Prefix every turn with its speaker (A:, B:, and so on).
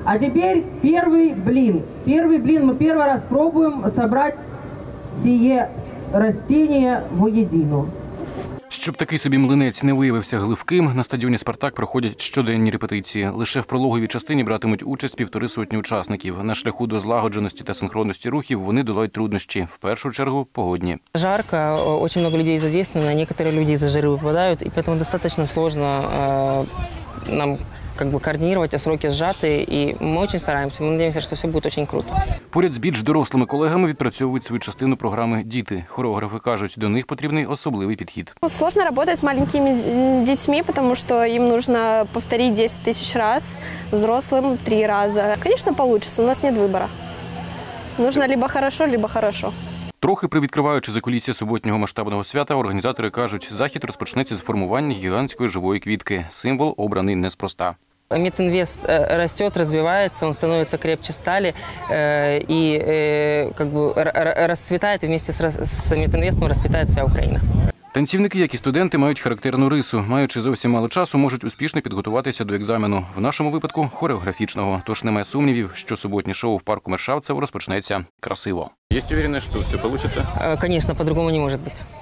A: А теперь первый блин. Первый блин мы первый раз пробуем собрать сие растение воедино.
B: Щоб такий собі млинець не виявився гливким, на стадіоні «Спартак» проходять щоденні репетиції. Лише в прологовій частині братимуть участь 150 учасників. На шляху до злагодженості та синхронності рухів вони долають труднощі. В першу чергу – погодні.
C: Жарко, очень много людей задействовано, некоторые люди из-за жары выпадают, и поэтому достаточно сложно нам координировать, а сроки сжаты, и мы очень стараемся, мы надеемся, что все будет очень круто.
B: Поряд з більш дорослими колегами відпрацьовують свою частину програми «Діти». Хореографи кажуть, до них потрібний особливий підхід.
D: Сложно работать с маленькими детьми, потому что им нужно повторить 10 тысяч раз, взрослым 3 раза. Конечно, получится, у нас нет выбора. Нужно либо хорошо, либо хорошо.
B: Трохи привідкриваючи закулісся суботнього масштабного свята, організатори кажуть, захід розпочнеться з формування гігантської живої квітки. Символ обраний неспроста.
C: Мединвест растет, развивается, он становится крепче стали и расцветает, и вместе с Мединвестом расцветает вся Украина.
B: Танцівники, як і студенти, мають характерну рису. Маючи зовсім мало часу, можуть успішно підготуватися до екзамену. В нашому випадку – хореографічного. Тож немає сумнівів, що суботнє шоу в парку Мершавцево розпочнеться красиво. Є впевненість, що все вийде?
C: Конечно, по-другому не может быть.